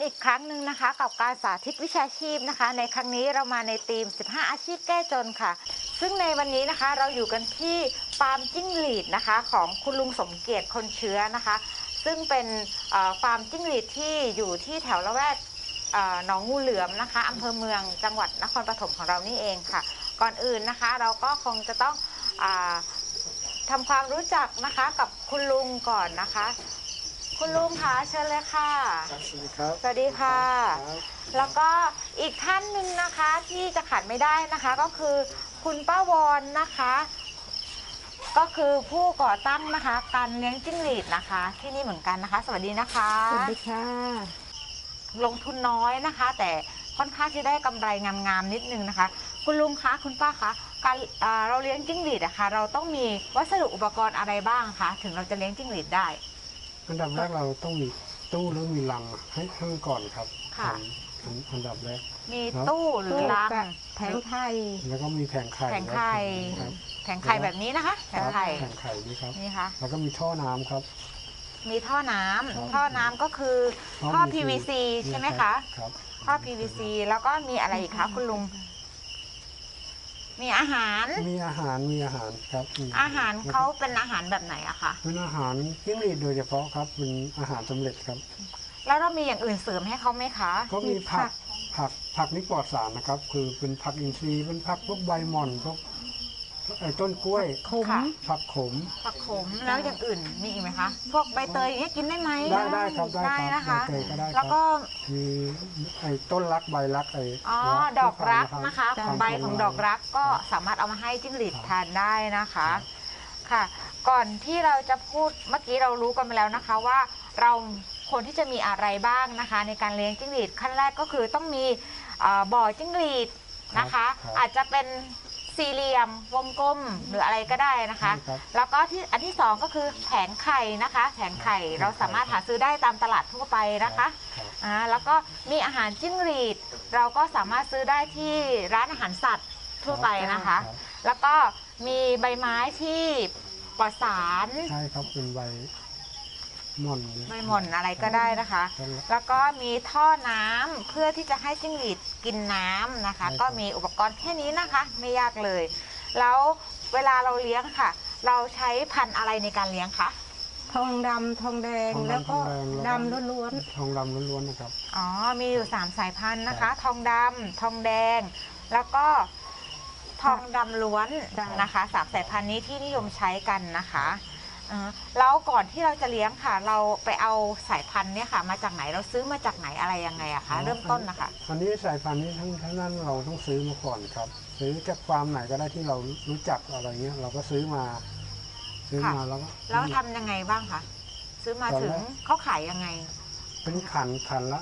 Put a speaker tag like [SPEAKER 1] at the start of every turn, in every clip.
[SPEAKER 1] อีกครั้งหนึ่งนะคะกับการสาธิตวิชาชีพนะคะในครั้งนี้เรามาในธีม 15 อาชีพแก้จนค่ะ ซึ่งในวันนี้นะคะเราอยู่กันที่ฟาร์มจิ้งหรีดนะคะของคุณลุงสมเกียรติคนเชื้อนะคะซึ่งเป็นฟาร์มจิ้งหรีดที่อยู่ที่แถวละแวกหนองงูเหลือมนะคะอำเภอเมืองจังหวัดนครปฐมของเรานี่เองค่ะก่อนอื่นนะคะเราก็คงจะต้องทำความรู้จักนะคะกับคุณลุงก่อนนะคะคุณลุงคะเชิญเลยค่ะ
[SPEAKER 2] สวัสดีครับ
[SPEAKER 1] สวัสดีค่ะแล้วก็อีกท่านหนึ่งนะคะที่จะขาดไม่ได้นะคะก็คือคุณป้าวอนนะคะก็คือผู้ก่อตั้งนะคะการเลี้ยงจิ้งหรีดนะคะที่นี่เหมือนกันนะคะสวัสดีนะคะ
[SPEAKER 3] สวัสดีค่ะ
[SPEAKER 1] ลงทุนน้อยนะคะแต่ค่อนข้างจะได้กำไรงามๆนิดนึงนะคะคุณลุงคะคุณป้าคะการเราเลี้ยงจิ้งหรีดอะคะเราต้องมีวัสดุอุปกรณ์อะไรบ้างคะถึงเราจะเลี้ยงจิ้งหรีดได้
[SPEAKER 2] อันดับแรกเราต้องมีตู้แล้วมีรังให้ข้างก่อนครับ
[SPEAKER 1] ค่ะ
[SPEAKER 2] อันดับแรก
[SPEAKER 1] มีตู้หรือรัง
[SPEAKER 3] แผงไข่
[SPEAKER 2] แล้วก็มีแผงไข่
[SPEAKER 1] แผงไข่แผงไข่แบบนี้นะคะแผงไข่
[SPEAKER 2] นี่ครับ
[SPEAKER 1] นี่ค่ะ
[SPEAKER 2] แล้วก็มีท่อน้ำครับ
[SPEAKER 1] มีท่อน้ำก็คือท่อ PVC ใช่ไหมคะ
[SPEAKER 2] ครับ
[SPEAKER 1] ท่อ PVC แล้วก็มีอะไรอีกคะคุณลุงมีอาหาร
[SPEAKER 2] ครับ
[SPEAKER 1] อาหารเขาเป็นอาหารแบบไหนอะคะ
[SPEAKER 2] เป็นอาหารจิ้งหรีดโดยเฉพาะครับเป็นอาหารสำเร็จครับ
[SPEAKER 1] แล้วเรามีอย่างอื่นเสริมให้เขาไหมคะ
[SPEAKER 2] ก็มีผักนี่ปลอดสารนะครับคือเป็นผักอินทรีย์เป็นผักพวกใบหม่อนพวกต้นกล้วยผักขม
[SPEAKER 1] แล้วอย่างอื่นมีอีกไหมคะพวกใบเตยอย่างนี้กินได้ไหม
[SPEAKER 2] ได้ครับ
[SPEAKER 1] ได้นะคะ
[SPEAKER 2] แล้ว
[SPEAKER 1] ก็
[SPEAKER 2] มีต้นรักใบรัก
[SPEAKER 1] ดอกรักนะคะของใบของดอกรักก็สามารถเอามาให้จิ้งหรีดทานได้นะคะค่ะก่อนที่เราจะพูดเมื่อกี้เรารู้กันไปแล้วนะคะว่าเราควรที่จะมีอะไรบ้างนะคะในการเลี้ยงจิ้งหรีดขั้นแรกก็คือต้องมีบ่อจิ้งหรีดนะคะอาจจะเป็นสี่เหลี่ยมวงกลมหรืออะไรก็ได้นะคะแล้วก็อันที่สองก็คือแผงไข่นะคะแผงไข่เราสามารถหาซื้อได้ตามตลาดทั่วไปนะคะแล้วก็มีอาหารจิ้งหรีดเราก็สามารถซื้อได้ที่ร้านอาหารสัตว์ทั่วไปนะคะแล้วก็มีใบไม้ที่ปลอดสาร
[SPEAKER 2] ใช่ครับเป็นใบหม่
[SPEAKER 1] อนอะไรก็ได้นะคะแล้วก็มีท่อน้ำเพื่อที่จะให้จิ้งหรีดกินน้ำนะคะก็มีอุปกรณ์แค่นี้นะคะไม่ยากเลยแล้วเวลาเราเลี้ยงค่ะเราใช้พันธุ์อะไรในการเลี้ยงคะ
[SPEAKER 3] ทองดำทองแดงแล้วก็ดำล้วน
[SPEAKER 2] ทองดำล้วนนะครับ
[SPEAKER 1] อ๋อมีอยู่3สายพันธุ์นะคะทองดำทองแดงแล้วก็ทองดำล้วนนะคะ3สายพันธุ์นี้ที่นิยมใช้กันนะคะแล้วก่อนที่เราจะเลี้ยงค่ะเราไปเอาสายพันธุ์เนี่ยค่ะมาจากไหนเราซื้อมาจากไหนอะไรยังไงอะคะเริ่มต้นนะคะ
[SPEAKER 2] อันนี้สายพันธุ์นี้ทั้งนั้นเราต้องซื้อมาก่อนครับซื้อจากฟาร์มไหนก็ได้ที่เรารู้จักอะไรเงี้ยเราก็ซื้อมา
[SPEAKER 1] แล้วทำยังไงบ้างคะซื้อมาถึงเขาขายยังไง
[SPEAKER 2] เป็นขันละ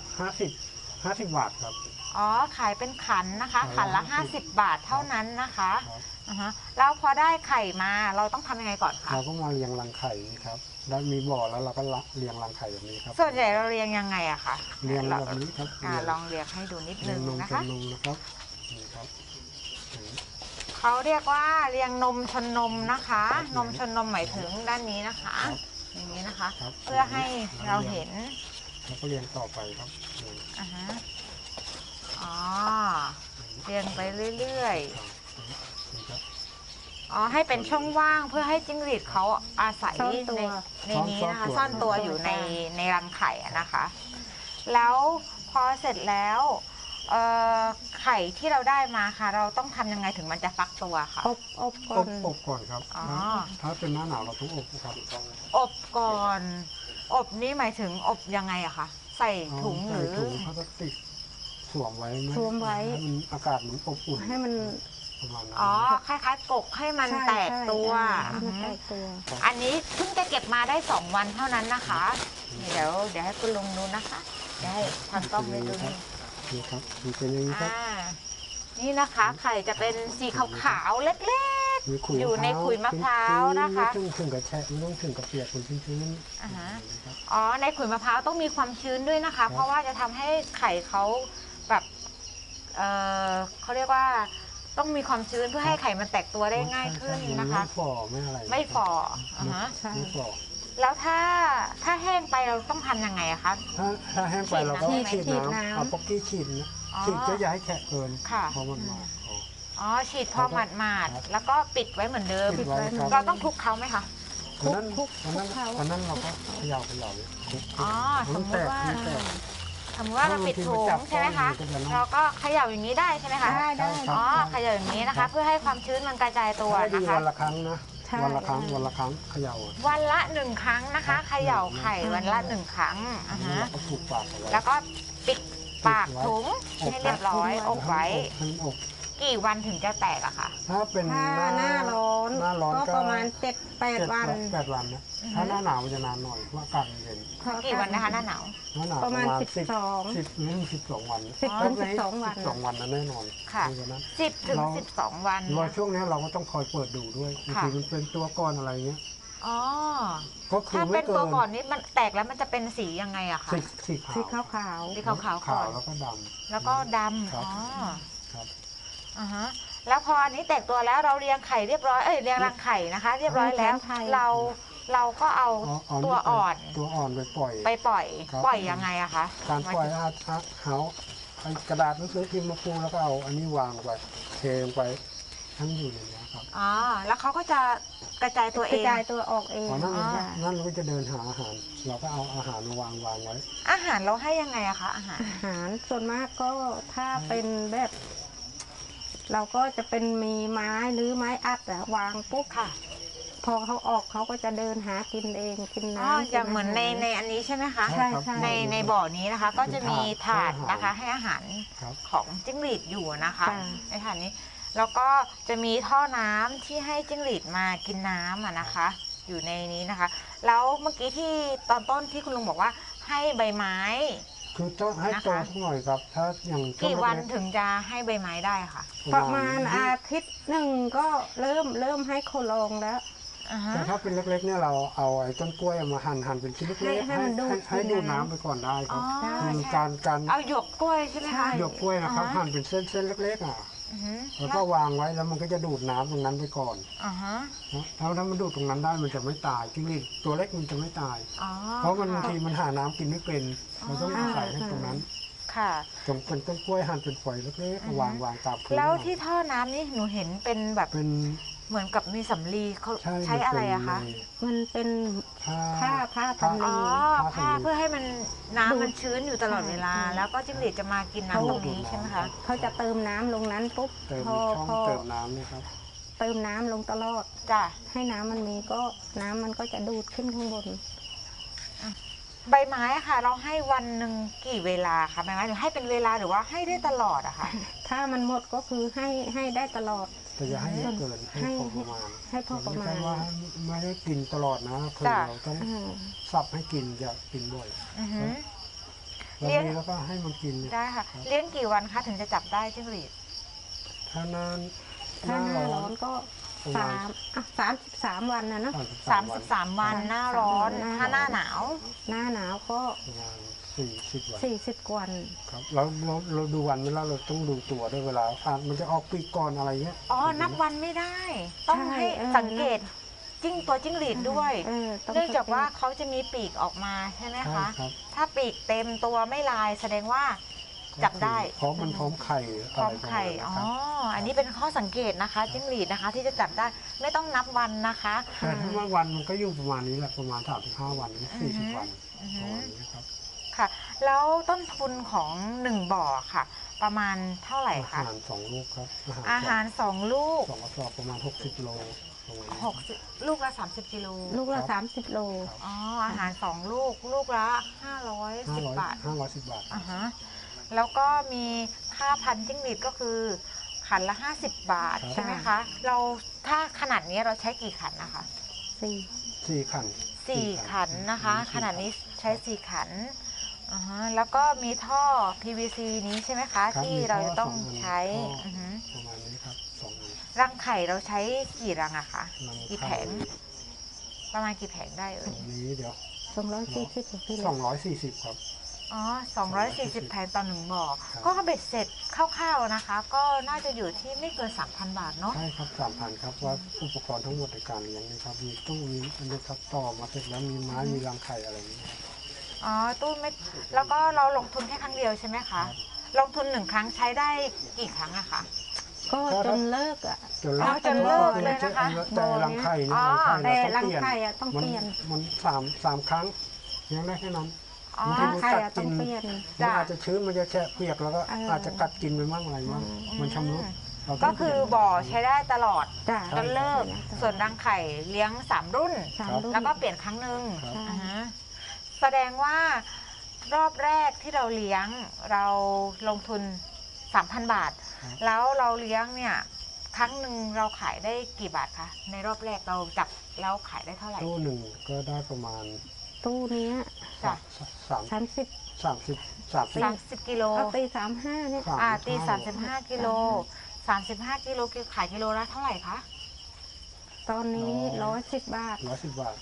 [SPEAKER 2] 50 บาทครับ
[SPEAKER 1] อ๋อขายเป็นขันนะคะขันละ50 บาทเท่านั้นนะคะแล้วพอได้ไข่มาเราต้องทำยังไงก่อนคะ
[SPEAKER 2] เราก็มาเรียงรังไข่ครับแล้วมีบ่อแล้วเราก็เรียงรังไข่แบบนี้ครับ
[SPEAKER 1] ส่วนใหญ่เราเรียงยังไงอะคะ
[SPEAKER 2] เรียงแบบนี้ครับ
[SPEAKER 1] ลองเรียงให้ดูนิดนึงนะคะ
[SPEAKER 2] นมนะครับนี่ครับ
[SPEAKER 1] เขาเรียกว่าเรียงนมชนนมนะคะนมชนนมหมายถึงด้านนี้นะคะอย่างนี้นะคะเพื่อให้เราเห็น
[SPEAKER 2] แล้วก็เรียงต่อไปครับ
[SPEAKER 1] เรียงไปเรื่อยๆให้เป็นช่องว่างเพื่อให้จิ้งหรีดเขาอาศัยในนี้นะคะซ่อนตัวอยู่ในรังไข่นะคะแล้วพอเสร็จแล้วไข่ที่เราได้มาค่ะเราต้องทำยังไงถึงมันจะฟักตัวค่ะ
[SPEAKER 2] อบก่อนครับถ้าเป็นหน้าหนาวเราต้องอบครับ
[SPEAKER 1] อบก่อนอบนี้หมายถึงอบยังไงอะคะใส่ถุงหรือ
[SPEAKER 2] ถุงพลาสติกสวมไว้ให้มันอากาศมันอบอุ่น
[SPEAKER 3] ให้มัน
[SPEAKER 1] คล้ายๆกกให้มันแตกตัวอันนี้เพิ่งจะเก็บมาได้2 วันเท่านั้นนะคะเดี๋ยวให้คุณลุงดูนะคะเดี๋ยวให้ทางกล้องดู
[SPEAKER 2] นี่ครับมันเป็นอย่างนี้ครับ
[SPEAKER 1] นี่นะคะไข่จะเป็นสีขาวๆเล็กๆอยู่ในขุยมะพร้าวนะคะ
[SPEAKER 2] ไม่ต้องถึงกับแฉะไม่ต้องถึงกับเปียกเป็นชื้น
[SPEAKER 1] ในขุยมะพร้าวต้องมีความชื้นด้วยนะคะเพราะว่าจะทำให้ไข่เขาแบบเขาเรียกว่าต้องมีความชื้นเพื่อให้ไข่มันแตกตัวได้ง่ายขึ้นนะคะ
[SPEAKER 2] ไม่ฝ่อไม่อะไร
[SPEAKER 1] ไม่ฝ่อ
[SPEAKER 2] ไม่ฝ่อ
[SPEAKER 1] แล้วถ้าแห้งไปเราต้องทำยังไงอะคะ
[SPEAKER 2] ถ้าแห้งไปเราก็
[SPEAKER 1] ฉี
[SPEAKER 2] ฉี
[SPEAKER 1] ด
[SPEAKER 2] ด
[SPEAKER 1] น้ำ
[SPEAKER 2] น้ำเอาป๊อกกี้ฉีดนะ
[SPEAKER 1] อ๋อ
[SPEAKER 2] ฉีดก็อย่าให้แฉะเกิน
[SPEAKER 1] ค่ะ
[SPEAKER 2] เพราะมันมาก
[SPEAKER 1] อ๋อฉีดพอหมาด
[SPEAKER 2] ครับ
[SPEAKER 1] ๆแล้วก็ปิดไว้เหมือนเดิม
[SPEAKER 2] ปิดไว้ครับ
[SPEAKER 1] เราต้องคลุกเขาไหมคะ
[SPEAKER 2] วันนั้น
[SPEAKER 3] คลุก
[SPEAKER 2] วันนั้นเราก็เขย่าเลยคลุก
[SPEAKER 1] อ๋อ
[SPEAKER 2] มัน
[SPEAKER 1] สมมุติว่า
[SPEAKER 2] มันแตก
[SPEAKER 1] สมมติว่าเราปิดถุงใช่ไหมคะ
[SPEAKER 2] บางทีมันจับก้อนมันก็จะ
[SPEAKER 1] เราก็เขย่าอย่างนี้ได้ใช่ไหมคะ
[SPEAKER 3] ได้ได้
[SPEAKER 2] ครับ
[SPEAKER 1] อ๋อเขย่าอย่างนี้นะคะ เพื่อให้ความชื้นมันกระจายตัว
[SPEAKER 2] ให้ดี
[SPEAKER 1] นะคะ
[SPEAKER 2] วันละครั้งนะ
[SPEAKER 3] ใช่
[SPEAKER 2] วันละครั้งเขย่า
[SPEAKER 1] วันละ1 ครั้งนะคะเขย่าไข่วันละ1 ครั้งอ่า
[SPEAKER 2] แล้ว
[SPEAKER 1] ฮะ
[SPEAKER 2] เราก็ผูกปากเอาไว้
[SPEAKER 1] แล้วก็ปิดปากถุงให้เรียบร้อยอบไว้
[SPEAKER 2] ให้มันอบ
[SPEAKER 1] กี่วันถึงจะแตกอะคะ
[SPEAKER 2] ถ้าเป็น
[SPEAKER 3] ถ้าหน้าร้อน
[SPEAKER 2] หน้าร้อน
[SPEAKER 3] ก็
[SPEAKER 2] ก็
[SPEAKER 3] ประมาณ7-8 วัน
[SPEAKER 2] 8 วันนะถ้าหน้าหนาวมันจะนานหน่อยเพราะอากาศมันเย็น
[SPEAKER 1] กี่วันนะคะหน้าหนาว
[SPEAKER 2] หน้าหนาว
[SPEAKER 3] ประมาณ
[SPEAKER 2] 10
[SPEAKER 3] 12
[SPEAKER 2] 12 วัน
[SPEAKER 3] 10 ถึง 12 วัน
[SPEAKER 2] 12 วันนะแน่นอน
[SPEAKER 1] ค่ะ
[SPEAKER 2] เพราฉนั้น
[SPEAKER 1] 10 ถึง 12 วัน
[SPEAKER 2] รอช่วงนี้เราก็ต้องคอยเปิดดูด้วยบาง
[SPEAKER 1] ค่ะ
[SPEAKER 2] ทีมันเป็นตัวก้อนอะไรเงี้ย
[SPEAKER 1] อ๋อ
[SPEAKER 2] ก็คือ
[SPEAKER 1] ถ้า
[SPEAKER 2] ไม่
[SPEAKER 1] เป็น
[SPEAKER 2] เกิ
[SPEAKER 1] ตัวน ก่อนนี้มันแตกแล้วมันจะเป็นสียังไงอะคะ
[SPEAKER 2] สีขาว
[SPEAKER 3] สีขาว
[SPEAKER 1] สีขาวๆก่อน
[SPEAKER 2] แล้วก็ด
[SPEAKER 1] แล้วก็ด
[SPEAKER 2] ครับ
[SPEAKER 1] ำอ๋อ
[SPEAKER 2] ำครับ
[SPEAKER 1] อ่าฮะแล้วพออันนี้แตกตัวแล้วเราเรียงไข่เรียบร้อยเรียงรังไข่นะคะ เรียบร้อยแล้วเราก็เอาตัวอ่อน
[SPEAKER 2] ตัวอ่อนไปปล่อย
[SPEAKER 1] ไปปล่อย
[SPEAKER 2] ครับ
[SPEAKER 1] ปล่อยยังไงอะคะ
[SPEAKER 2] การปล่อยเอากระดาษหนังสือพิมพ์มาปูแล้วก็เอาอันนี้วางไปเทลงไปทั้งอยู่ในนี้ครับ
[SPEAKER 1] อ๋อแล้วเขาก็จะกระจายตัว
[SPEAKER 3] ก
[SPEAKER 1] เอ
[SPEAKER 3] ระ
[SPEAKER 1] ง
[SPEAKER 3] จายตัวออกเอง
[SPEAKER 2] พอนั่น
[SPEAKER 3] จ้ะ
[SPEAKER 2] นั่นเราก็จะเดินหาอาหาร เราก็เอาอาหารมาวางไว้
[SPEAKER 1] อาหารเราให้ยังไงอะคะอาหาร
[SPEAKER 3] อาหารส่วนมากก็ถ้าเป็นแบบ เราก็จะเป็นมีไม้หรือไม้อัดอะวางปุ๊บ
[SPEAKER 1] ค่ะ
[SPEAKER 3] พอเขาออกเขาก็จะเดินหากินเองกิน
[SPEAKER 1] อ๋อ
[SPEAKER 3] น้ำ
[SPEAKER 1] อย่างเหมือนใน
[SPEAKER 3] กิาหาร
[SPEAKER 1] อันนี้ใช่ไหมคะ
[SPEAKER 3] ใช่ใช่
[SPEAKER 1] ในบ่อนี้นะคะ ก็จะมีถาด
[SPEAKER 2] เป็น
[SPEAKER 1] นะคะ
[SPEAKER 2] ถาด
[SPEAKER 1] ให้อาหาร
[SPEAKER 2] ครับ
[SPEAKER 1] ของจิ้งหรีดอยู่นะคะ
[SPEAKER 3] จ้ะ
[SPEAKER 1] ในถาดนี้แล้วก็จะมีท่อน้ำที่ให้จิ้งหรีดมากินน้ำอะนะคะ อยู่ในนี้นะคะ แล้วเมื่อกี้ที่ตอนต้นที่คุณลุงบอกว่าให้ใบไม้
[SPEAKER 2] คือต้องให้โตสักหน่อยครับ ถ้าอย่างช่วง
[SPEAKER 1] กี่วัน
[SPEAKER 2] แรก
[SPEAKER 1] ถึงจะให้ใบไม้ได้ค่ะ
[SPEAKER 2] ๆ
[SPEAKER 3] ประมาณอาทิตย์หนึ่งก็เริ่มให้โคลองแล้ว
[SPEAKER 1] อ่าฮะ
[SPEAKER 2] แต่ถ้าเป็นเล็กๆเนี่ยเราเอาไอ้ต้นกล้วยมาหั่นเป็นชิ้นเล็กๆ
[SPEAKER 3] ให้มันดูด
[SPEAKER 2] ให้ดูด
[SPEAKER 3] น้ำ
[SPEAKER 2] น้ำไปก่อนได้ค
[SPEAKER 1] อ๋
[SPEAKER 2] รั
[SPEAKER 1] อบ
[SPEAKER 3] ใช่
[SPEAKER 2] คือการ
[SPEAKER 1] เอาหยวกกล้วยใช่ไหมคะ
[SPEAKER 2] หยวกกล้วยนะครับ
[SPEAKER 1] อ่าฮะ
[SPEAKER 2] หั่นเป็นเส้นๆเล็กๆอ่ะ
[SPEAKER 1] อือฮึ
[SPEAKER 2] แล้วก็วางไว้แล้วมันก็จะดูดน้ำตรงนั้นไปก่อน
[SPEAKER 1] อ่าฮะ
[SPEAKER 2] นะถ้ามันดูดตรงนั้นได้มันจะไม่ตายจิ้งหรีดตัวเล็กมันจะไม่ตาย
[SPEAKER 1] อ๋อ
[SPEAKER 2] เพราะมันบางทีมันหาน้ำกินไม่เป็นเราต้องอาศัยให้ตรงนั้น
[SPEAKER 1] ค่ะ
[SPEAKER 2] ตรงเป็นต้นกล้วยหั่นเป็นฝอยเล็กๆวางตามพื้น
[SPEAKER 1] แล้วที่ท่อน้ำนี่หนูเห็นเป็นแบบ
[SPEAKER 2] เป็น
[SPEAKER 1] เหมือนกับมีสำลีเขา
[SPEAKER 2] ใช่
[SPEAKER 1] ใช้อะไรอะคะ
[SPEAKER 3] มันเป็น
[SPEAKER 2] ผ้า
[SPEAKER 3] ผ้า
[SPEAKER 2] ผ้า
[SPEAKER 3] ทำ
[SPEAKER 1] อ๋อ ผ้าเพื่อให้มัน
[SPEAKER 3] ดูด
[SPEAKER 1] น้ำมันชื้นอยู่ตลอดเวลา
[SPEAKER 3] ใช่
[SPEAKER 1] แล้วก็จิ้งหรีดจะมากินน้ำตรงนี้ใช่ไหมคะ
[SPEAKER 3] เขาจะเติมน้ำลงนั้นปุ๊บ
[SPEAKER 2] เติม
[SPEAKER 3] พอ
[SPEAKER 2] ช่อง
[SPEAKER 3] พอ
[SPEAKER 2] เติมน้ำนี่ครับ
[SPEAKER 3] เติมน้ำลงตลอด
[SPEAKER 1] จ้ะ
[SPEAKER 3] ให้น้ำมันมีก็น้ำมันก็จะดูดขึ้นข้างบน
[SPEAKER 1] ใบไม้อะค่ะ เราให้วันหนึ่งกี่เวลาคะใบไม้หรือให้เป็นเวลาหรือว่าให้ได้ตลอดอะค่ะ
[SPEAKER 3] ถ้ามันหมดก็คือให้ได้ตลอด
[SPEAKER 2] แต่อย่าให้เยอะเกินให้พอประมาณ
[SPEAKER 3] ให้พอประมาณ
[SPEAKER 2] ไม่ใช่ว่าไม่ได้กินตลอดนะคือ
[SPEAKER 1] จ้ะ
[SPEAKER 2] เราต้อง
[SPEAKER 3] อ่า
[SPEAKER 2] สับให้กินอย่ากินบ่อย
[SPEAKER 1] อือฮึ
[SPEAKER 2] แล้ว
[SPEAKER 1] เลี้ยง
[SPEAKER 2] นี้แล้วก็ให้มันกินเนี่ย
[SPEAKER 1] ได้ค่ะ เลี้ยงกี่วันคะถึงจะจับได้จิ้งหรีด
[SPEAKER 2] ถ้านาน
[SPEAKER 3] ถ้าหน้าร้อนก็
[SPEAKER 2] ประมาณ
[SPEAKER 3] 33 วันนะเนาะ
[SPEAKER 1] 33 วันหน้าร้อน
[SPEAKER 3] หน้าร้อน
[SPEAKER 1] ถ้าหน้าหนาว
[SPEAKER 3] หน้าหนาวก็
[SPEAKER 2] ประมาณ40 วัน
[SPEAKER 3] 40 วัน
[SPEAKER 2] ครับเราดูวันไม่แล้วเราต้องดูตัวด้วยเวลามันจะออกปีกก่อนอะไรเงี้ย
[SPEAKER 1] อ๋อ นับวันไม่ได้ ต้อง
[SPEAKER 3] ใช่
[SPEAKER 1] ให้
[SPEAKER 3] เออ
[SPEAKER 1] สังเกตตัวจิ้งหรีดด้วย
[SPEAKER 3] ต้
[SPEAKER 1] เนื่องจากว่าเขาจะมีปีกออกมาใช่ไหม
[SPEAKER 2] ใช่
[SPEAKER 1] คะ
[SPEAKER 2] ครับ
[SPEAKER 1] ถ้าปีกเต็มตัวไม่ลายแสดงว่า จับได้
[SPEAKER 2] เพราะมันพร้อมไข่
[SPEAKER 1] พร้อมไข่
[SPEAKER 2] ะ
[SPEAKER 1] อ๋อ
[SPEAKER 2] รประมาณนั้นครับ
[SPEAKER 1] อันนี้เป็นข้อสังเกตนะคะจิ้งหรีดนะคะ ที่จะจับได้ไม่ต้องนับวันนะคะ
[SPEAKER 2] แต่ถ้าว่าวันมันก็อยู่ประมาณนี้แหละประมาณ35 วันถึง40 วัน
[SPEAKER 1] อือ
[SPEAKER 2] ป
[SPEAKER 1] ฮึ
[SPEAKER 2] ระมาณนี้ครับ
[SPEAKER 1] ค่ะ แล้วต้นทุนของ1บ่อค่ะ ประมาณเท่าไหร่
[SPEAKER 2] อา
[SPEAKER 1] คะ
[SPEAKER 2] หาร2 ลูกครับ
[SPEAKER 1] อาหาร2 ลูก
[SPEAKER 2] สองกระสอบประมาณ60 โลประมาณนี้
[SPEAKER 1] 60ลูกละ30กิโล
[SPEAKER 3] ลูกละ30 โล
[SPEAKER 1] อ๋ออาหาร2 ลูกลูกละ510 บาท
[SPEAKER 2] 510 บาท
[SPEAKER 1] อ่าฮะแล้วก็มีค่าพันจิ้งหรีดก็คือขันละ50 บาท
[SPEAKER 2] ครับ
[SPEAKER 1] ใช่ไหมคะเราถ้าขนาดนี้เราใช้กี่ขันนะคะ
[SPEAKER 2] 4 ขัน
[SPEAKER 1] 4 ขันนะคะ ขนาดนี้ใช้ 4 ขันอ่าฮะแล้วก็มีท่อ PVC นี้ใช่ไหมคะ
[SPEAKER 2] ครับ
[SPEAKER 1] ที่
[SPEAKER 2] มี
[SPEAKER 1] เรา
[SPEAKER 2] ท่อ
[SPEAKER 1] จะต้อง
[SPEAKER 2] 2 อัน
[SPEAKER 1] ใช้
[SPEAKER 2] ท่ออ
[SPEAKER 1] อฮึ
[SPEAKER 2] ประมาณนี้ครับ2 อัน
[SPEAKER 1] รังไข่เราใช้กี่รังอะคะ
[SPEAKER 2] รัง
[SPEAKER 1] กี่
[SPEAKER 2] ไข่
[SPEAKER 1] แผงประมาณกี่แผงได้เอ่ย
[SPEAKER 2] อันนี้เดี๋ยว
[SPEAKER 3] 240พี่เล็ก
[SPEAKER 2] 240 ครับ
[SPEAKER 1] อ๋อ240แผงต่อ1บ่อ
[SPEAKER 2] ครับ
[SPEAKER 1] ก็เบ็ดเสร็จคร่าวๆนะคะ ก็น่าจะอยู่ที่ไม่เกิน 3,000 บาทเนาะ
[SPEAKER 2] ใช่ครับ3,000ครับว่าอุปกรณ์ทั้งหมดในการเลี้ยงนะครับมีตู้มีอันนี้ครับต่อมาเสร็จแล้วมีไม้มีรังไข่อะไรอย่างเงี้ย
[SPEAKER 1] อ๋อตู้ไม่แล้วก็เราลงทุนแค่ครั้งเดียวใช่ไหมคะ ลงทุน1 ครั้งใช้ได้กี่ครั้งอะคะ
[SPEAKER 3] ก็จนเลิกอ่ะ
[SPEAKER 1] จนเลิกเลยนะคะ
[SPEAKER 2] แต่รังไข่นี่
[SPEAKER 1] อ๋อ
[SPEAKER 3] แต่
[SPEAKER 2] รั
[SPEAKER 3] รั
[SPEAKER 2] ง
[SPEAKER 3] ง
[SPEAKER 2] ไข่
[SPEAKER 3] ไข่อะต้องเปลี่ยน
[SPEAKER 2] มันสามครั้งเลี้ยงได้แค่นั้น
[SPEAKER 1] อ๋อ
[SPEAKER 2] บาง
[SPEAKER 3] รั
[SPEAKER 2] ที
[SPEAKER 3] งไข่อะต้องเปลี่ยน
[SPEAKER 2] มันอาจจะชื้นมันจะแฉะเปียกแล้วก็
[SPEAKER 3] เอออ
[SPEAKER 2] อาจจะกัดกินไปมั่งอะไรมั่งมันชำรุดเราต้
[SPEAKER 1] ก็
[SPEAKER 2] อง
[SPEAKER 1] คือบ่อใช้ได้ตลอด
[SPEAKER 3] จ้ะ
[SPEAKER 1] จนเลิก ส่วนรังไข่เลี้ยง3 รุ่น
[SPEAKER 3] สามรุ่น
[SPEAKER 1] แล้วก็เปลี่ยนครั้งหนึ่ง
[SPEAKER 2] ครับ
[SPEAKER 3] ใช่
[SPEAKER 1] อ่าฮะแสดงว่ารอบแรกที่เราเลี้ยงเราลงทุน 3,000 บาท แล้วเราเลี้ยงเนี่ยครั้งหนึ่งเราขายได้กี่บาทคะในรอบแรกเราจับแล้วขายได้เท่าไหร่
[SPEAKER 2] ตู้หนึ่งก็ได้ประมาณ
[SPEAKER 3] ตู้เนี้ย
[SPEAKER 1] จ้ะ
[SPEAKER 2] 30
[SPEAKER 3] 30
[SPEAKER 1] 30 กิโล
[SPEAKER 3] เอาตี35เนี่ย
[SPEAKER 1] ตี35 กิโล 35 กิโลขายกิโลละเท่าไหร่คะ
[SPEAKER 3] ตอนนี้110 บาท
[SPEAKER 2] 110 บาท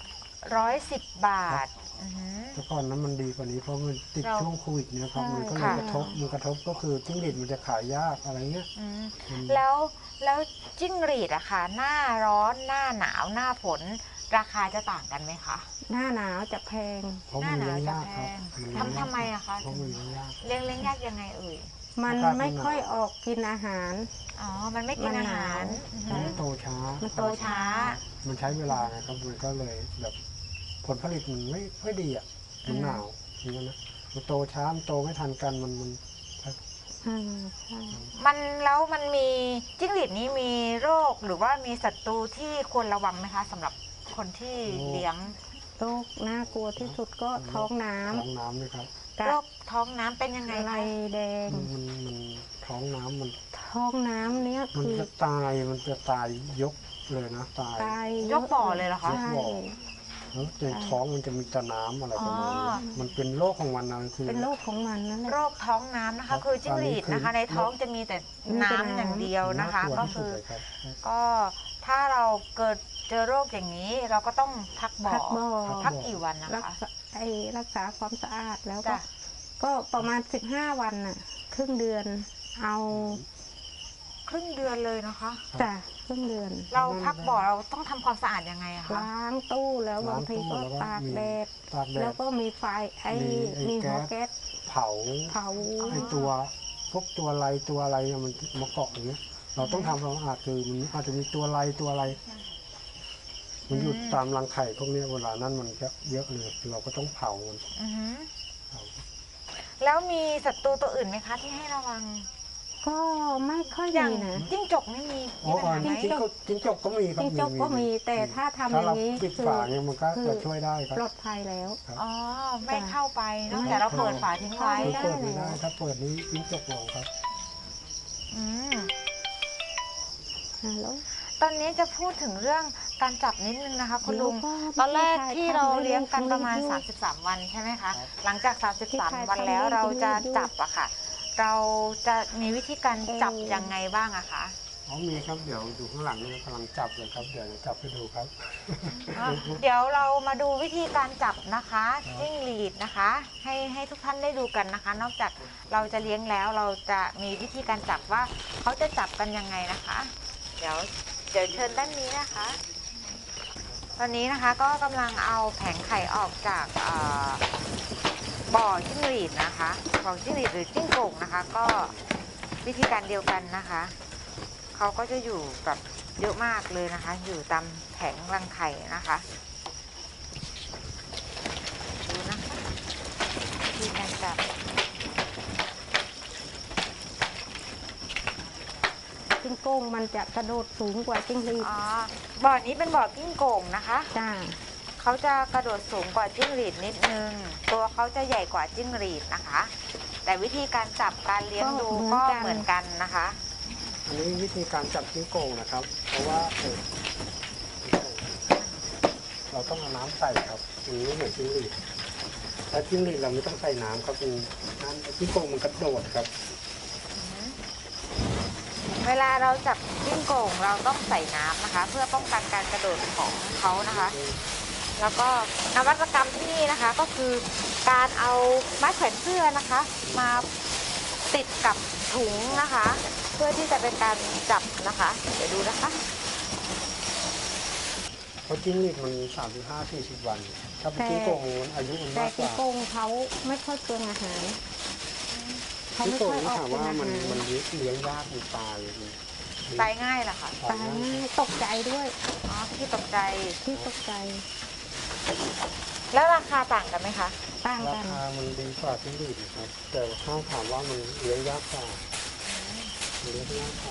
[SPEAKER 1] 110 บาทอือหือ
[SPEAKER 2] แต่ก่อนนั้นมันดีกว่านี้เพราะมันติด
[SPEAKER 1] เรา
[SPEAKER 2] ช่วงโควิดเนี่ยครับ
[SPEAKER 3] ใช่
[SPEAKER 2] มันก็เลย
[SPEAKER 1] ค่ะ
[SPEAKER 2] กระทบก็คือจิ้งหรีดมันจะขายยากอะไรเงี้ย
[SPEAKER 1] อืม
[SPEAKER 2] มัน
[SPEAKER 1] แล้วจิ้งหรีดอะค่ะหน้าร้อนหน้าหนาวหน้าฝนราคาจะต่างกันไหมคะ
[SPEAKER 3] หน้าหนาวจะแพง
[SPEAKER 2] เพราะมันเลี้ยงยากครับ
[SPEAKER 1] หน้าหนาวจะแพงทำไมอะคะ
[SPEAKER 2] เพราะมันเลี้ยงยาก
[SPEAKER 1] เลี้ยงยากยังไงเอ่ย
[SPEAKER 3] มัน
[SPEAKER 2] อากาศ
[SPEAKER 3] ไม่ค่อยออกกินอาหาร
[SPEAKER 1] อ๋อ มันไม่กินอาหาร
[SPEAKER 3] มันหนาว
[SPEAKER 1] อือ
[SPEAKER 2] มั
[SPEAKER 1] หื
[SPEAKER 2] น
[SPEAKER 1] อ
[SPEAKER 2] โตช้า
[SPEAKER 3] มันโตช้า
[SPEAKER 2] มันใช้เวลาไงครับมันก็เลยแบบผลผลิตมันไม่ค่อยดีอ่ะมันหนาวอย่างนั้นนะมันโตช้ามันโตไม่ทันกันมัน
[SPEAKER 3] อืมใช่
[SPEAKER 1] แล้วมันมีจิ้งหรีดนี้มีโรคหรือว่ามีศัตรูที่ควรระวังไหมคะสำหรับคนที่เลี้ยง
[SPEAKER 3] โรคน่ากลัวที่สุดก็ท้องน้
[SPEAKER 2] ท้องน้ำเลยครับ
[SPEAKER 3] ำกั
[SPEAKER 1] โร
[SPEAKER 3] บ
[SPEAKER 1] คท้องน้ำเป็นยังไง
[SPEAKER 3] ไร
[SPEAKER 1] คะ
[SPEAKER 3] แดง
[SPEAKER 2] มันท้องน้ำมัน
[SPEAKER 3] ท้องน้ำเนี้ย
[SPEAKER 2] มัน
[SPEAKER 3] คือ
[SPEAKER 2] จะตายยกเลยนะตาย
[SPEAKER 3] ตาย
[SPEAKER 1] ยกบ่อเลยเหรอคะ
[SPEAKER 3] ใช่
[SPEAKER 2] แล้วในท้องมันจะมีแต่น้ำอะไรประมาณนี้
[SPEAKER 1] อ๋อ
[SPEAKER 2] มันเป็นโรคของมันนะคือ
[SPEAKER 3] เป็นโรคของมันนั่นแหละ
[SPEAKER 1] โรคท้องน้ำนะคะ คือจิ้งหรีดนะคะ ในท้องจะมีแต่
[SPEAKER 3] มีแต่
[SPEAKER 1] น้ำ
[SPEAKER 3] น้ำ
[SPEAKER 1] อย่างเดียวนะคะ
[SPEAKER 2] ากลัว
[SPEAKER 1] ก็
[SPEAKER 2] ที่สุ
[SPEAKER 1] คือ
[SPEAKER 2] ดเลยครับ
[SPEAKER 1] ก็ถ้าเราเกิดเจอโรคอย่างนี้ เราก็ต้องพักบ่อ
[SPEAKER 3] พักบ่อ
[SPEAKER 1] พักกี่วันนะ
[SPEAKER 3] รัก
[SPEAKER 1] คะ
[SPEAKER 3] ษารักษาความสะอาดแล้วก็
[SPEAKER 1] จ้ะ
[SPEAKER 3] ก็ประมาณ15 วันน่ะครึ่งเดือนเอา
[SPEAKER 1] ครึ่งเดือนเลยนะคะ
[SPEAKER 3] จ้ะครึ่งเดือน
[SPEAKER 1] เราพักบ่อเราต้องทำความสะอาดยังไงอะคะ
[SPEAKER 3] ล้างตู้แล้วบางทีก็ตากแดด
[SPEAKER 2] ตากแด
[SPEAKER 3] แล้ว
[SPEAKER 2] ด
[SPEAKER 3] ก็มีไฟมีหัวแก๊ส
[SPEAKER 2] เผา
[SPEAKER 3] เผา
[SPEAKER 2] ไอตัวพวกตัวอะไรเนี่ยมันมาเกาะอย่างเงี้ย เราต้องทำความสะอาดคือมันอาจจะมีตัวอะไร มันอยู่ตามรังไข่พวกเนี้ยเวลานั้นมันจะเยอะเลยเราก็ต้องเผามัน
[SPEAKER 1] อือหือ
[SPEAKER 2] เผา
[SPEAKER 1] แล้วมีศัตรูตัวอื่นไหมคะที่ให้ระวัง
[SPEAKER 3] ก็ไม่ค่อย
[SPEAKER 1] อย่า
[SPEAKER 3] มี
[SPEAKER 1] ง
[SPEAKER 3] นะ
[SPEAKER 1] จิ้งจกไม่มี
[SPEAKER 2] โอ้
[SPEAKER 1] ปัญหาไหม
[SPEAKER 2] จิ้งจกก็มีครับ
[SPEAKER 3] จิ้งจกก็มีแต่ถ้าทำอ
[SPEAKER 2] ถ้า
[SPEAKER 3] ย่า
[SPEAKER 2] เรา
[SPEAKER 3] งนี้
[SPEAKER 2] ปิด
[SPEAKER 3] คือ
[SPEAKER 2] ฝาเนี่ยมันก็
[SPEAKER 3] คือ
[SPEAKER 2] จะช่วยได้ครับ
[SPEAKER 3] ปลอดภัยแล้ว
[SPEAKER 2] ครับ
[SPEAKER 1] อ๋อ ไม่เข้าไปเนอก
[SPEAKER 3] ไม่
[SPEAKER 1] จากเรา
[SPEAKER 3] เข้า
[SPEAKER 1] เปิดฝาทิ้งไว้
[SPEAKER 2] คือ
[SPEAKER 3] ได้
[SPEAKER 2] เปิดไม่ได้ถ้าเปิดนี้จิ้งจกลงครับ
[SPEAKER 1] อืม
[SPEAKER 3] ฮัลโหล
[SPEAKER 1] ตอนนี้จะพูดถึงเรื่องการจับนิดนึงนะคะ คุณลุง
[SPEAKER 3] เดี๋ยว
[SPEAKER 1] ตอนแรกที่เรา
[SPEAKER 3] ทำให้
[SPEAKER 1] เลี้ยงกันประมาณ
[SPEAKER 3] ลูก
[SPEAKER 1] 33 วันใช่ไหมคะ
[SPEAKER 2] ครับ
[SPEAKER 1] หลังจาก
[SPEAKER 3] ที่ใคร
[SPEAKER 1] 33 วันแล้ว
[SPEAKER 3] ทำให้
[SPEAKER 1] เราจะ
[SPEAKER 3] ลูก
[SPEAKER 1] จับอะค่ะ เราจะมีวิธีการจับ
[SPEAKER 3] เออ
[SPEAKER 1] ยังไงบ้างอะคะ
[SPEAKER 2] อ๋อมีครับเดี๋ยวอยู่ข้างหลังนี่กำลังจับเลยครับเดี๋ยวจะจับให้ดูครับ
[SPEAKER 1] เดี๋ยวเรามาดูวิธีการจับนะคะจิ้งหรีดนะคะ ให้ทุกท่านได้ดูกันนะคะ นอกจากเราจะเลี้ยงแล้วเราจะมีวิธีการจับว่าเขาจะจับกันยังไงนะคะ เดี๋ยวเชิญด้านนี้นะคะ ตอนนี้นะคะก็กำลังเอาแผงไข่ออกจากบ่อจิ้งหรีดนะคะบ่อจิ้งหรีดหรือจิ้งโก่งนะคะ ก็วิธีการเดียวกันนะคะเขาก็จะอยู่แบบเยอะมากเลยนะคะ อยู่ตามแผงรังไข่นะคะดูนะคะวิธีการจับ
[SPEAKER 3] จิ้งโก้งมันจะกระโดดสูงกว่าจิ้งหรีด
[SPEAKER 1] อ๋อบ่อนี้เป็นบ่อจิ้งโก่งนะคะ
[SPEAKER 3] จ้า
[SPEAKER 1] เขาจะกระโดดสูงกว่าจิ้งหรีดนิดนึง ตัวเขาจะใหญ่กว่าจิ้งหรีดนะคะ แต่วิธีการจับการเลี้ยงดูก็เหมือนกันนะคะ
[SPEAKER 2] อันนี้วิธีการจับจิ้งโก่งนะครับ เพราะว่าเราต้องเอาน้ำใส่ครับอันนี้เหมือนจิ้งหรีดแต่จิ้งหรีดเราไม่ต้องใส่น้ำครับเป็นน้ำจิ้งโก่งมันกระโดดครับ
[SPEAKER 1] เวลาเราจับจิ้งโก่งเราต้องใส่น้ำนะคะ เพื่อป้องกันการกระโดดของเขานะคะ แล้วก็นวัตกรรมที่นี่นะคะก็คือการเอาไม้แขวนเสื้อนะคะ มาติดกับถุงนะคะ เพื่อที่จะเป็นการจับนะคะ เดี๋ยวดูนะคะ
[SPEAKER 2] เพราะจิ้งหรีดมัน35-40 วัน ถ้าเป็นจิ้งโก่งมันอายุมัน
[SPEAKER 3] แต่
[SPEAKER 2] มากก
[SPEAKER 3] ที่
[SPEAKER 2] ว่า
[SPEAKER 3] โกงเขาไม่ค่อยเปลืองอาหารเขา
[SPEAKER 2] จิ้ง
[SPEAKER 3] ไม่
[SPEAKER 2] โก่ง
[SPEAKER 3] ค่อย
[SPEAKER 2] นี่
[SPEAKER 3] ออก
[SPEAKER 2] ถาม
[SPEAKER 3] เป็น
[SPEAKER 2] ว่า
[SPEAKER 3] อา
[SPEAKER 2] มัน
[SPEAKER 3] หาร
[SPEAKER 2] มันเลี้ยงยากมันตายมัน
[SPEAKER 1] ตายง่ายเหรอคะ
[SPEAKER 3] ตายง่ายตกใจด้วย
[SPEAKER 1] อ๋อที่ตกใจ
[SPEAKER 3] ที่ตกใจ
[SPEAKER 1] แล้วราคาต่างกันไหมคะ
[SPEAKER 3] ต่าง
[SPEAKER 2] รา
[SPEAKER 3] กัน
[SPEAKER 2] คามันดีกว่าจิ้งหรีดนะครับ แต่ถ้าถามว่ามันเลี้ยงยากกว่าเลี้ยงยากกว่า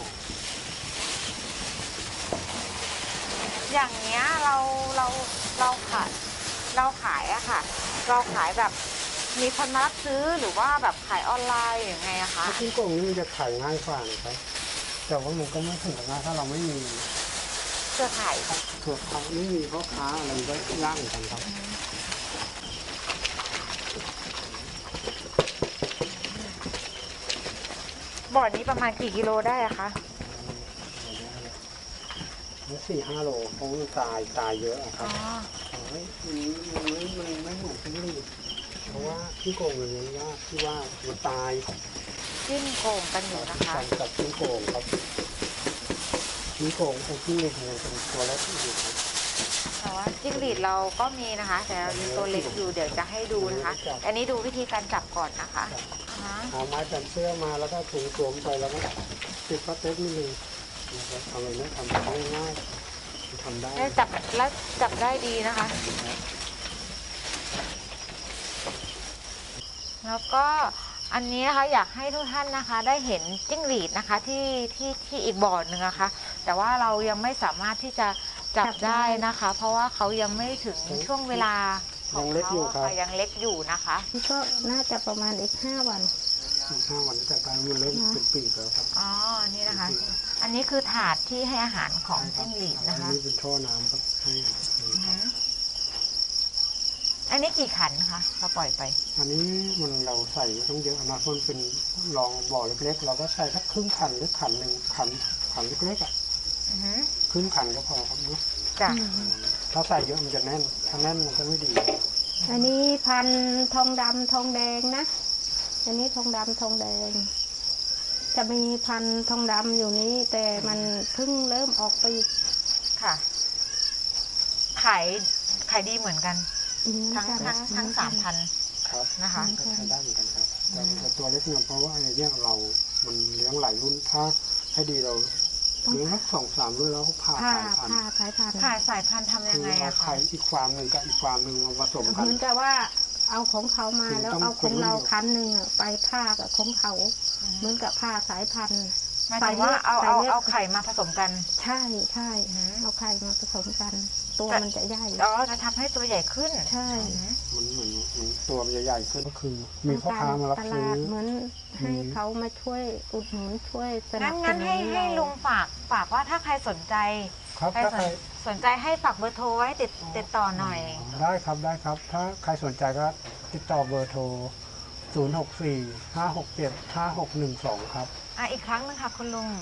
[SPEAKER 1] อย่างเนี้ยเราขายอะค่ะ เราขายแบบมีคนมารับซื้อหรือว่าแบบขายออนไลน์อย่างไงอะคะ
[SPEAKER 2] ถ้าจิ้งโก่งนี่มันจะขายง่ายกว่านะครับ แต่ว่ามันก็ไม่ถึงกับง่ายถ้าเราไม่มี
[SPEAKER 1] เครือข่าย
[SPEAKER 2] เผื่อเขาไม่มีพ่อค้าอะไรก็ยากเหมือนกันครับ
[SPEAKER 1] บ่อนี้ประมาณกี่กิโลได้อะคะ
[SPEAKER 2] 4-5 โลเพราะมันตายเยอะอะค
[SPEAKER 1] อ๋
[SPEAKER 2] รั
[SPEAKER 1] อบ
[SPEAKER 2] เฮ้ยมันไม่เหมือนจิ้งหรีดเพราะว่าจิ้งโก่งมันเลี้ยงยากที่ว่ามันตาย
[SPEAKER 1] จิ้มโก่งกันอยู่นะคะ
[SPEAKER 2] การจับจิ้งโก่งครับจิ้งโก่งไอ้จิ้งหรีดมันเป็นตัวเล็กอยู่ครับ
[SPEAKER 1] แต่ว่าจิ้งหรีดเราก็มีนะคะ แต่เรามีตัวเล็กอยู่เดี๋ยวจะให้ดูนะคะ อันนี้ดูวิธีการจับก่อนนะคะอ่าฮะ
[SPEAKER 2] เอาไม้แผ่นเสื้อมาแล้วก็ถุงสวมไปแล้วก็ติดพลาสติกนิดนึงนะครับทำอะไรไม่ทำง่ายๆทำได้
[SPEAKER 1] แล้วจับได้ดีนะคะ แล้วก็อันนี้นะคะอยากให้ทุกท่านนะคะ ได้เห็นจิ้งหรีดนะคะที่อีกบ่อหนึ่งนะคะ แต่ว่าเรายังไม่สามารถที่จะจับได้นะคะ เพราะว่าเขายังไม่ถึงช่วงเวลาของ
[SPEAKER 2] ยังเล็กอยู่
[SPEAKER 1] เขา
[SPEAKER 2] ครับ
[SPEAKER 1] ค่ะยังเล็กอยู่นะคะ
[SPEAKER 3] นี่ก็น่าจะประมาณอีก5 วัน
[SPEAKER 2] 5 วันจะตายมันเริ่มเป็นปีกแล้วครับ
[SPEAKER 1] อ๋อ นี่นะคะ อันนี้คือถาดที่ให้อาหารของจิ้งหรีดนะคะ
[SPEAKER 2] อันนี้เป็นท่อน้ำครับให้
[SPEAKER 1] อือฮึอันนี้กี่ขันคะเราปล่อยไป
[SPEAKER 2] อันนี้มันเราใส่ต้องเยอะนะมันเป็นรองบ่อเล็กๆ เราก็ใส่สักครึ่งขันหรือขันหนึ่งขันเล็กๆอ่ะ
[SPEAKER 1] อือฮึ
[SPEAKER 2] ครึ่งขันก็พอครับเนาะ
[SPEAKER 1] จ้ะ
[SPEAKER 2] ถ้าใส่เยอะมันจะแน่น ถ้าแน่นมันก็ไม่ดี
[SPEAKER 3] อันนี้พันธุ์ทองดำทองแดงนะ อันนี้ทองดำทองแดง จะมีพันธุ์ทองดำอยู่นี้ แต่มันเพิ่งเริ่มออกปีก
[SPEAKER 1] ค่ะ ขายดีเหมือนกัน ทั้ง3,000
[SPEAKER 2] ครับ
[SPEAKER 1] นะคะ
[SPEAKER 2] ก็ใช้ได้เหมือนกันครับแต่ตัวเล็กเนี่ยเพราะว่าไอ้เนี่ยมันเลี้ยงหลายรุ่นถ้าให้ดีเราเลี้ยงสัก2-3 รุ่นแล้วก็ผ่า
[SPEAKER 3] ผ่า
[SPEAKER 2] สายพันธุ์
[SPEAKER 3] ผ่าสายพันธุ์
[SPEAKER 1] ขายสายพันธุ์ทำยั
[SPEAKER 2] คื
[SPEAKER 1] ง
[SPEAKER 2] อ
[SPEAKER 1] ไง
[SPEAKER 2] เอา
[SPEAKER 1] อะคะ
[SPEAKER 2] ไข่อีกฟาร์มหนึ่งกับอีกฟาร์มหนึ่งมาผสมกัน
[SPEAKER 3] เหมือนกับว่าเอาของเขามาแล้ว
[SPEAKER 2] ต้อง
[SPEAKER 3] เอาของเรา
[SPEAKER 2] ต้อง
[SPEAKER 3] คันหนึ่งอะไปผ่ากับของเขา เหมือนกับผ่าสายพันธุ์
[SPEAKER 1] หมายถึงว่าเอาไข่มาผสมกัน
[SPEAKER 3] ใช่ใช่
[SPEAKER 1] อืม
[SPEAKER 3] เอาไข่มาผสมกัน ตัวมันจะใหญ่
[SPEAKER 1] อ๋อจะทำให้ตัวใหญ่ขึ้น
[SPEAKER 3] ใช่
[SPEAKER 1] อืม
[SPEAKER 2] มันตัวมันใหญ่ๆขึ้นก็คือ มีพ่อค้ามารับ
[SPEAKER 3] ต
[SPEAKER 2] ซื้
[SPEAKER 3] ลา
[SPEAKER 2] อ
[SPEAKER 3] ดเหมือนให้เขามาช่วยอุดหนุนช่วยสนับส
[SPEAKER 1] งั้น
[SPEAKER 3] นุน
[SPEAKER 1] ให้ลุงฝากว่าถ้าใครสนใจ
[SPEAKER 2] ครับ
[SPEAKER 1] ใคร
[SPEAKER 2] ถ้าใคร
[SPEAKER 1] สนใจให้ฝากเบอร์โทรไว้ติดต่อหน่อย
[SPEAKER 2] ได้ครับ ถ้าใครสนใจก็ติดต่อเบอร์โทร 064-567-5612 ครับ
[SPEAKER 1] อีกครั้งนึงค่ะคุณลุง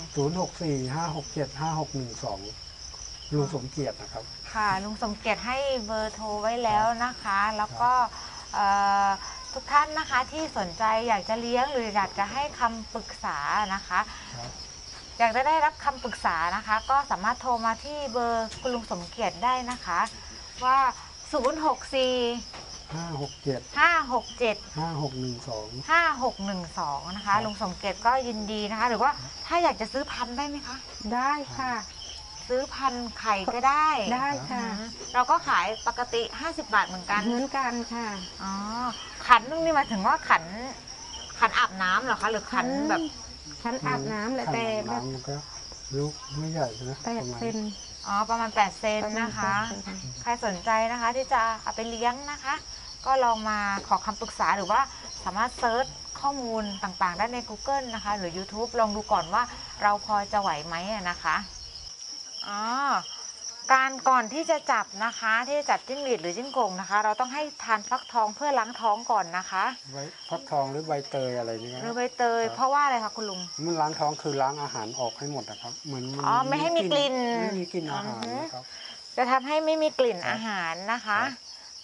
[SPEAKER 2] 064-567-5612 ลุงสมเกียรตินะครับ
[SPEAKER 1] ค่ะลุงสมเกียรติให้เบอร์โทรไว้แล้วนะคะ แล้วก็ทุกท่านนะคะที่สนใจอยากจะเลี้ยงหรืออยากจะให้คำปรึกษานะคะ
[SPEAKER 2] ครับ
[SPEAKER 1] อยากจะได้รับคำปรึกษานะคะ ก็สามารถโทรมาที่เบอร์คุณลุงสมเกียรติได้นะคะว่า 064
[SPEAKER 2] 567
[SPEAKER 1] 567
[SPEAKER 2] 5612
[SPEAKER 1] 5612 นะคะลุงสมเกียรติก็ยินดีนะคะ หรือว่าถ้าอยากจะซื้อพันธุ์ได้ไหมคะ
[SPEAKER 3] ได้ค่ะ
[SPEAKER 1] ซื้อพันธุ์ไข่ก็ได้
[SPEAKER 3] ได้ค่ะ
[SPEAKER 1] เราก็ขายปกติ50 บาทเหมือนกัน
[SPEAKER 3] เหมือนกันค่ะ
[SPEAKER 1] อ๋อขันนึงนี่หมายถึงว่าขันอาบน้ำเหรอคะ หรือขันแบบ
[SPEAKER 3] ฉันอาบน้ำแหละแต่แบบ
[SPEAKER 2] น้ำมันก็ลูกไม่ใหญ่นะ
[SPEAKER 3] 8
[SPEAKER 2] ประมาณ
[SPEAKER 3] เซน
[SPEAKER 1] อ๋อประมาณ8 เซนนะคะ ใครสนใจนะคะที่จะเอาไปเลี้ยงนะคะ ก็ลองมาขอคำปรึกษาหรือว่าสามารถเซิร์ชข้อมูลต่างๆได้ใน Google นะคะ หรือ YouTube ลองดูก่อนว่าเราพอจะไหวไหมนะคะอ๋อการก่อนที่จะจับนะคะที่จะจับจิ้งหรีดหรือจิ้งโก่งนะคะ เราต้องให้ทานฟักทองเพื่อล้างท้องก่อนนะคะ
[SPEAKER 2] ใบฟักทองหรือใบเตยอะไรนี่
[SPEAKER 1] หรือ
[SPEAKER 2] ก็
[SPEAKER 1] ใบเตยเพราะว่าอะไรคะคุณลุง
[SPEAKER 2] มันล้างท้องคือล้างอาหารออกให้หมดนะครับเหมือนน
[SPEAKER 1] อ๋อไม่ให้มีกลิ่น
[SPEAKER 2] ไม่มีกลิ่นอาหาร
[SPEAKER 1] อือฮึ
[SPEAKER 2] นะครับ
[SPEAKER 1] จะทำให้ไม่มีกลิ่น
[SPEAKER 2] ครับ
[SPEAKER 1] อาหารนะคะ
[SPEAKER 2] ครับ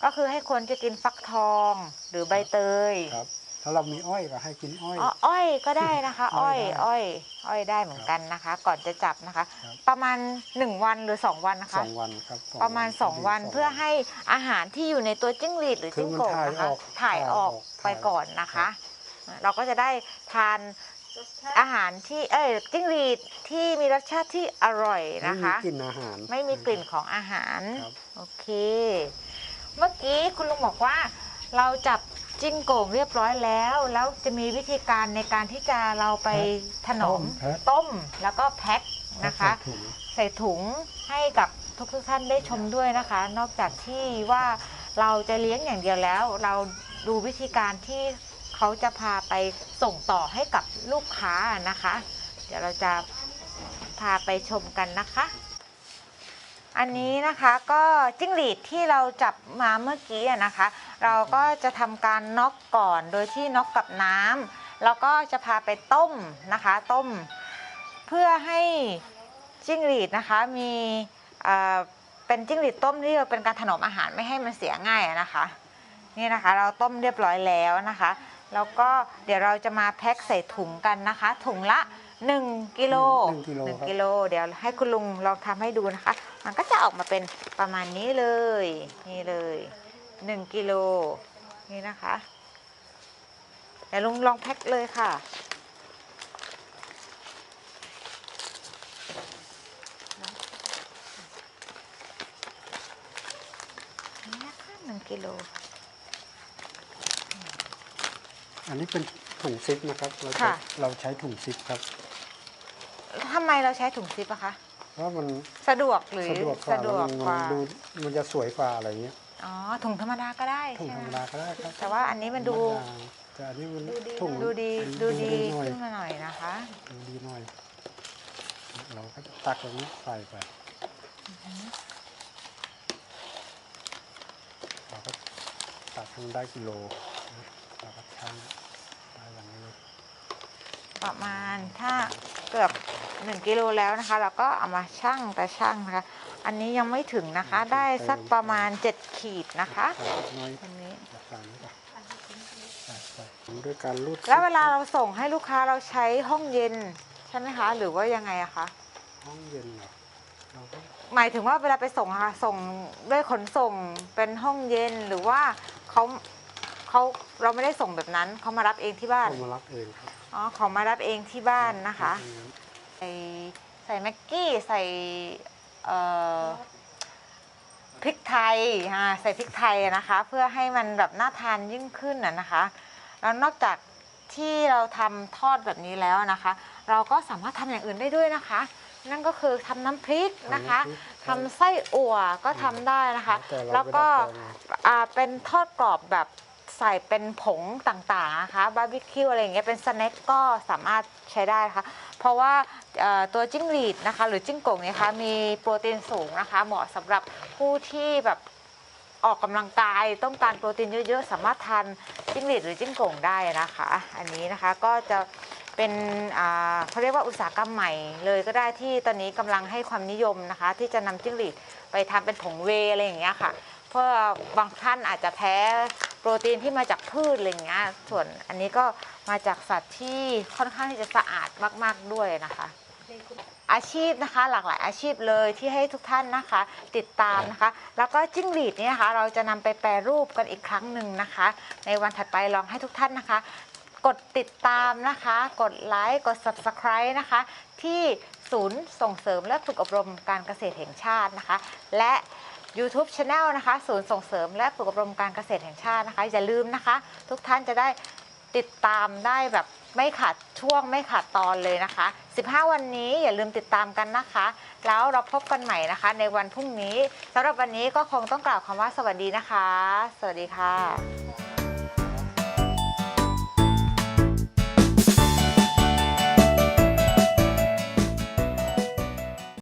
[SPEAKER 1] ก็คือให้คนจะกินฟักทองหรือใบเตย
[SPEAKER 2] ครับ ถ้าเรามีอ้อยก็ให้กินอ้อย
[SPEAKER 1] อ้อยก็ได้นะคะ
[SPEAKER 2] อ้
[SPEAKER 1] อ้
[SPEAKER 2] อ
[SPEAKER 1] อย
[SPEAKER 2] ได้
[SPEAKER 1] อ้อยได้เหมือนกันนะคะ ก่อนจะจับนะคะ
[SPEAKER 2] ครับ
[SPEAKER 1] ประมาณ1 วันหรือ2 วันนะคะ
[SPEAKER 2] 2 วันครับ
[SPEAKER 1] ประมาณ2 วันเพื่อให้อาหารที่อยู่ในตัวจิ้งหรีดหรือ
[SPEAKER 2] คือ
[SPEAKER 1] จิ้ง
[SPEAKER 2] มัน
[SPEAKER 1] โก่งนะคะถ่ายออกไปก่อนนะคะ เราก็จะได้ทานอาหารที่จิ้งหรีดที่มีรสชาติที่อร่อยนะคะ
[SPEAKER 2] ไม่มีกลิ่นอาหาร
[SPEAKER 1] ไม่มีกลิ่นของอาหาร
[SPEAKER 2] ครับ
[SPEAKER 1] โอเค เมื่อกี้คุณลุงบอกว่าเราจับจิ้งโก่งเรียบร้อยแล้ว แล้วจะมีวิธีการในการที่จะเราไปถนอม
[SPEAKER 2] แพ็ค
[SPEAKER 1] ต้มแล้วก็แพ็คนะคะ
[SPEAKER 2] ใส่ถุง
[SPEAKER 1] ใส่ถุงให้กับทุกท่านได้ชมด้วยนะคะ นอกจากที่ว่าเราจะเลี้ยงอย่างเดียวแล้ว เราดูวิธีการที่เขาจะพาไปส่งต่อให้กับลูกค้านะคะ เดี๋ยวเราจะพาไปชมกันนะคะ อันนี้นะคะก็จิ้งหรีดที่เราจับมาเมื่อกี้นะคะ เราก็จะทำการน็อกก่อนโดยที่น็อกกับน้ำแล้วก็จะพาไปต้มนะคะต้ม เพื่อให้จิ้งหรีดนะคะมีเป็นจิ้งหรีดต้มที่เป็นการถนอมอาหารไม่ให้มันเสียง่ายนะคะนี่นะคะเราต้มเรียบร้อยแล้วนะคะ แล้วก็เดี๋ยวเราจะมาแพ็คใส่ถุงกันนะคะ ถุงละ1 กิโล 1 กิโลเดี๋ยวให้คุณลุงลองทำให้ดูนะคะ มันก็จะออกมาเป็นประมาณนี้เลยนี่เลย1 กิโลนี่นะคะเดี๋ยวลุงลองแพ็คเลยค่ะนี่นะคะ1 กิโล
[SPEAKER 2] อันนี้เป็นถุงซิปนะครับ
[SPEAKER 1] ค่ะ
[SPEAKER 2] เราใช้ถุงซิปครับ
[SPEAKER 1] ทำไมเราใช้ถุงซิปอะคะ
[SPEAKER 2] เพราะมัน
[SPEAKER 1] สะดวกหรือ
[SPEAKER 2] สะดวกกว่า
[SPEAKER 1] สะดวกกว่า
[SPEAKER 2] มันจะสวยกว่าอะไรเงี้ย
[SPEAKER 1] อ๋อถุงธรรมดาก็ได้
[SPEAKER 2] ถุง
[SPEAKER 1] ใช่
[SPEAKER 2] ธร
[SPEAKER 1] ไห
[SPEAKER 2] รมดาก็ได้ครับ
[SPEAKER 1] แต่ว่าอันนี้มันดู
[SPEAKER 2] แต่อันนี้มัน
[SPEAKER 1] ดูดี
[SPEAKER 2] ถุง
[SPEAKER 1] ดูดี
[SPEAKER 2] หน่อย
[SPEAKER 1] ขึ้นมาหน่อยนะคะ
[SPEAKER 2] ดูดีหน่อย เราก็จะตักตรงนี้ใส่ไปเราก็ตักให้มันได้กิโลนะเราก็ชั่งได้อย่างนี้เลย
[SPEAKER 1] ประมาณถ้าเกือบ1 กิโลแล้วนะคะ เราก็เอามาชั่งแต่ชั่งนะคะ อันนี้ยังไม่ถึงนะคะ ได้สักประมาณ7 ขีดนะคะ
[SPEAKER 2] ใส่นิดหน้อย
[SPEAKER 1] อันนี้
[SPEAKER 2] ใส่นี้ก่อนใส่ด้วยการรูด
[SPEAKER 1] แล้วเวลาเราส่งให้ลูกค้าเราใช้ห้องเย็นใช่ไหมคะ หรือว่ายังไงอะคะ
[SPEAKER 2] ห้องเย็นเหรอเราก็
[SPEAKER 1] หมายถึงว่าเวลาไปส่งอะค่ะส่งด้วยขนส่งเป็นห้องเย็นหรือว่าเขาเราไม่ได้ส่งแบบนั้นเขามารับเองที่บ้าน
[SPEAKER 2] เอามารับเองครับ
[SPEAKER 1] อ๋อเขามารับเองที่บ้านนะคะ ใส่แม็กกี้ใส่พริกไทยใส่พริกไทยนะคะ เพื่อให้มันแบบน่าทานยิ่งขึ้นนะคะแล้วนอกจากที่เราทำทอดแบบนี้แล้วนะคะ เราก็สามารถทำอย่างอื่นได้ด้วยนะคะ นั่นก็คือทำน้ำพริกนะคะทำไส้อั่วก็ทำได้นะคะ แล้วก็เป็นทอดกรอบแบบใส่เป็นผงต่างๆนะคะบาร์บีคิวอะไรอย่างเงี้ยเป็นสแน็คก็สามารถใช้ได้นะคะเพราะว่าตัวจิ้งหรีดนะคะหรือจิ้งโก่งเนี่ยค่ะมีโปรตีนสูงนะคะเหมาะสำหรับผู้ที่แบบออกกำลังกายต้องการโปรตีนเยอะๆสามารถทานจิ้งหรีดหรือจิ้งโก่งได้นะคะอันนี้นะคะก็จะเป็นเขาเรียกว่าอุตสาหกรรมใหม่เลยก็ได้ที่ตอนนี้กำลังให้ความนิยมนะคะที่จะนำจิ้งหรีดไปทำเป็นผงเวย์อะไรอย่างเงี้ยค่ะเพราะบางท่านอาจจะแพ้โปรตีนที่มาจากพืชอะไรอย่างเงี้ยส่วนอันนี้ก็มาจากสัตว์ที่ค่อนข้างที่จะสะอาดมากๆด้วยนะคะอาชีพนะคะหลากหลายอาชีพเลยที่ให้ทุกท่านนะคะติดตามนะคะแล้วก็จิ้งหรีดนี่นะคะเราจะนำไปแปรรูปกันอีกครั้งหนึ่งนะคะในวันถัดไปลองให้ทุกท่านนะคะกดติดตามนะคะกดไลค์กด Subscribe นะคะที่ศูนย์ส่งเสริมและฝึกอบรมการเกษตรแห่งชาตินะคะและ YouTube Channel นะคะศูนย์ส่งเสริมและฝึกอบรมการเกษตรแห่งชาตินะคะอย่าลืมนะคะทุกท่านจะได้ติดตามได้แบบไม่ขาดช่วงไม่ขาดตอนเลยนะคะ15 วันนี้อย่าลืมติดตามกันนะคะแล้วเราพบกันใหม่นะคะในวันพรุ่งนี้สำหรับวันนี้ก็คงต้องกล่าวคำว่าสวัสดีนะคะสวัสดีค่ะ